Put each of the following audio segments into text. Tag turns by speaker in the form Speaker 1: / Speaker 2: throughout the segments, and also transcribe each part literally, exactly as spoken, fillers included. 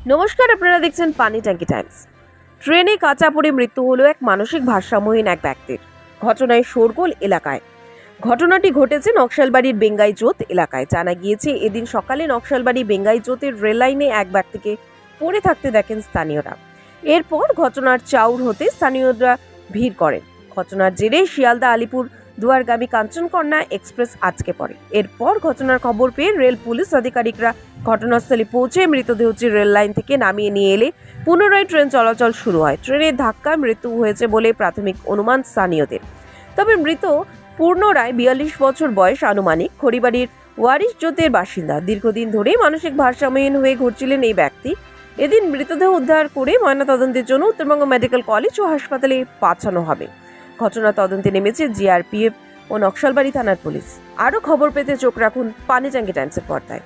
Speaker 1: নমস্কার, আপনারা দেখছেন পানি ট্যাঙ্কি টাইমস। ট্রেনে কাঁচা পড়ে মৃত্যু হলো এক মানসিক ভারসাম্যহীন এক ব্যক্তির। ঘটনায় শোরগোল এলাকায়। ঘটনাটি ঘটেছে নকশালবাড়ির বেঙ্গাইজোত এলাকায়। জানা গিয়েছে, এদিন সকালে নকশালবাড়ি বেঙ্গাইজোতের রেল লাইনে এক ব্যক্তিকে পড়ে থাকতে দেখেন স্থানীয়রা। এরপর ঘটনার চাউর হতে স্থানীয়রা ভিড় করেন। ঘটনার জেরে শিয়ালদা আলিপুর দুয়ারগামী কাঞ্চনকন্যা এক্সপ্রেস আটকে পড়ে। এরপর ঘটনার খবর পেয়ে রেল পুলিশ আধিকারিকরা ঘটনাস্থলে পৌঁছে মৃতদেহটি রেল লাইন থেকে নামিয়ে নিয়ে এলে পুনরায় ট্রেন চলাচল শুরু হয়। ট্রেনের ধাক্কায় মৃত্যু হয়েছে বলে প্রাথমিক অনুমান স্থানীয়দের। তবে মৃত পূর্ণ রায় বিয়াল্লিশ বছর বয়স, আনুমানিক খড়িবাড়ির ওয়ারিশ জোতের বাসিন্দা। দীর্ঘদিন ধরেই মানসিক ভারসাম্যহীন হয়ে ঘুরছিলেন এই ব্যক্তি। এদিন মৃতদেহ উদ্ধার করে ময়নাতদন্তের জন্য উত্তরবঙ্গ মেডিকেল কলেজ ও হাসপাতালে পাঠানো হবে। ঘটনা তদন্তে নেমেছে জিআরপিএফ ও নকশালবাড়ি থানার পুলিশ। আরও খবর পেতে চোখ রাখুন পানি ট্যাঙ্কি টাইমসের পর্দায়।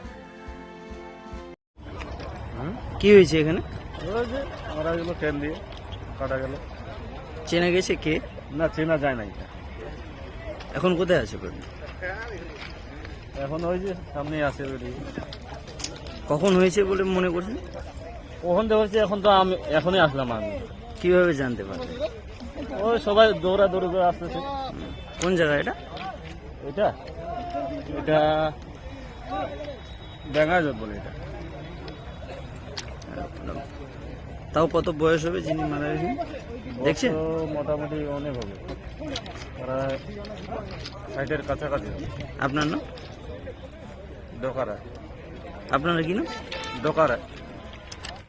Speaker 2: কি হয়েছে এখানে?
Speaker 3: মারা গেল, ট্রেন দিয়ে কাটা গেল।
Speaker 2: চেনা গেছে কে?
Speaker 3: না, চেনা যায় না। এটা
Speaker 2: এখন কোথায় আছে?
Speaker 3: এখন ওই যে সামনে আছে।
Speaker 2: কখন হয়েছে বলে মনে করছেন?
Speaker 3: কখন দেখছি, এখন তো আমি এখনই আসলাম। আমি
Speaker 2: কিভাবে জানতে পারলেন?
Speaker 3: ওই সবাই দৌড়া দৌড়ি করে আসতেছে।
Speaker 2: কোন জায়গা এটা?
Speaker 3: এটা এটা বেঙ্গাইজোত বলে। এটা
Speaker 2: তাও কত বয়স হবে যিনি মারা গেছেন? দেখছেন?
Speaker 3: তো মোটামুটি অনেক হবে, প্রায় ষাটের কাছাকাছি হবে।
Speaker 2: আপনার নাম?
Speaker 3: দোকারা।
Speaker 2: আপনারা কি নাম?
Speaker 3: দোকারা।